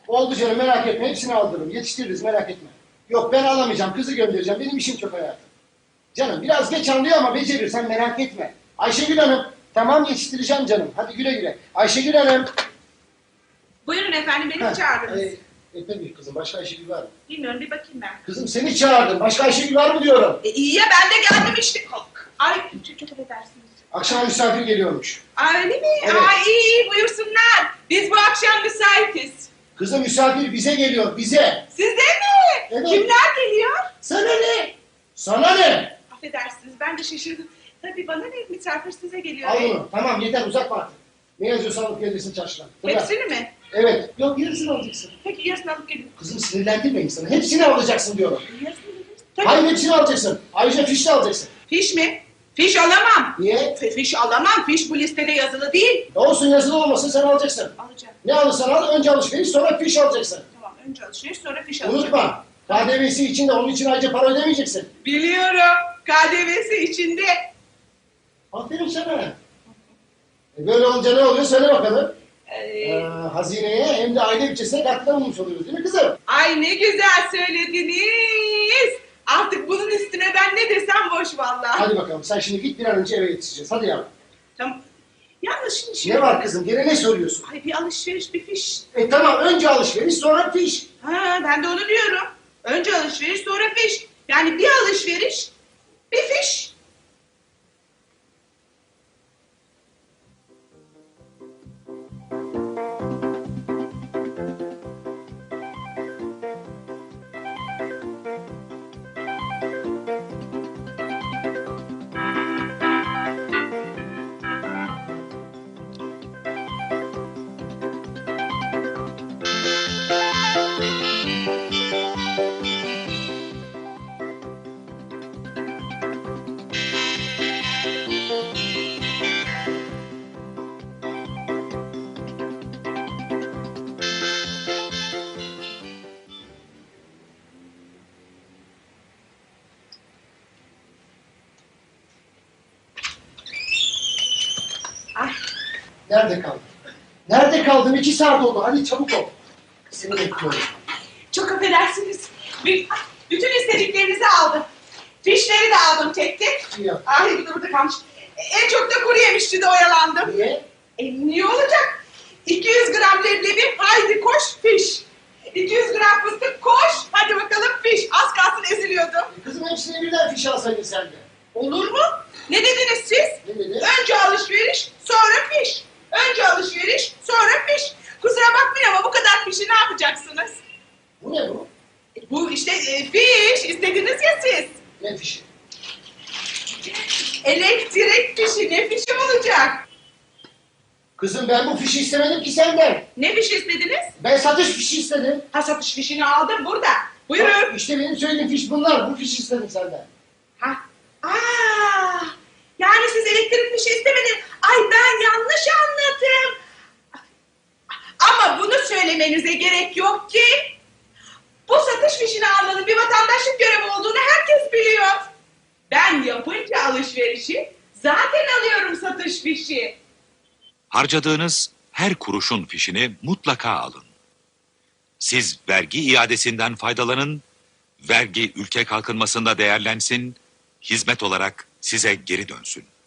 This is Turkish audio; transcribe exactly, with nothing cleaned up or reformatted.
Oldu canım, merak etme, hepsini aldırırım. Yetiştiririz, merak etme. Yok, ben alamayacağım, kızı göndereceğim. Benim işim çok hayatım. Canım biraz geç anlıyor ama becerir, sen merak etme. Ayşegül Hanım, tamam yetiştireceğim canım. Hadi güle güle. Ayşegül Hanım. Buyurun efendim, beni Ha, çağırdınız. E, e tabii kızım, başka Ayşegül var mı? Bilmiyorum, bir bakayım ben. Kızım seni çağırdım, başka Ayşegül var mı diyorum. E, iyi ya, ben de geldim işte. Ay, çok çok affedersiniz. Akşam misafir geliyormuş. Ay, öyle mi? Evet. Ay, iyi iyi, buyursunlar. Biz bu akşam müsaitiz. Kızım misafir bize geliyor, bize. Size mi? Evet. Kimler geliyor? Sana ne? Sana ne? Affedersiniz, ben de şaşırdım. Tabii bana ne, misafir size geliyor. Al bunu, tamam yeter, uzatma artık. Ne yazıyorsan alıp gelirsin çarşıdan. Fırla. Hepsini mi? Evet. Yok, yarısını alacaksın. Peki yarısını alıp gelin. Kızım sinirlendirme insanı. Hepsini alacaksın diyorum. Yarısını gelin. Tabii. Hayır, hepsini alacaksın. Ayrıca fiş de alacaksın. Fiş mi? Fiş alamam. Niye? F- Fiş alamam, fiş bu listede yazılı değil. Olsun, yazılı olmasın, sen alacaksın. Alacağım. Ne alırsan al, önce alışveriş, sonra fiş alacaksın. Tamam, önce alışveriş, sonra fiş alacağım. Unutma. K D V'si için de onun için ayrıca para ödemeyeceksin. Biliyorum. K D V'si içinde. Aferin sana. E böyle olunca ne oluyor, söyle bakalım. Ee, Ee, hazineye hem de aile bütçesine katkıda bulmuş oluyoruz değil mi kızım? Ay ne güzel söylediniz. Artık bunun üstüne ben ne desem boş vallahi. Hadi bakalım, sen şimdi git, bir an önce eve yetişeceğiz. Hadi yavrum. Tamam. Yalnız şimdi şey... Ne var kızım, gene ne soruyorsun? Ay bir alışveriş, bir fiş. E tamam, önce alışveriş, sonra fiş. Ha, ben de onu diyorum. Önce alışveriş, sonra fiş. Yani bir alışveriş, bir fiş. Ay, Nerede kaldın? Nerede kaldın? İki saat oldu. Hadi çabuk ol. Seni bekliyorum. çok affedersiniz. Bir- Bütün istediklerinizi aldım. Fişleri de aldım tek tek. İyi yap. Ay bir de burada kalmış. En çok da kuru yemişçi de oyalandım. Niye? E niye olacak? iki yüz gram leblebi, haydi koş fiş. iki yüz gram fıstık, koş. Hadi bakalım fiş. Az kalsın eziliyordum. E kızım hepsini birden fiş alsaydın sen de. Olur mu? Ne dediniz siz? Ne dedi? Önce alışveriş, sonra fiş. Önce alışveriş, sonra fiş. Kusura bakmayın ama bu kadar fişi ne yapacaksınız? Bu ne bu? E, bu işte e, fiş. İstediniz ya siz. Ne fişi? Elektrik fişi. Ne fişi olacak? Kızım ben bu fişi istemedim ki senden. Ne fişi istediniz? Ben satış fişi istedim. Ha, satış fişini aldım burada. Buyurun. Bak, İşte benim söylediğim fiş bunlar. Bu fişi istedim senden. Ha. Aa, yani siz elektrik fişi istemediniz. Ay ben yanlış anladım. Ama bunu söylemenize gerek yok ki. Bu satış fişini almanın bir vatandaşlık görevi olduğunu herkes biliyor. Ben yapınca alışverişi zaten alıyorum satış fişi. Harcadığınız her kuruşun fişini mutlaka alın. Siz vergi iadesinden faydalanın, vergi ülke kalkınmasında değerlensin, hizmet olarak size geri dönsün.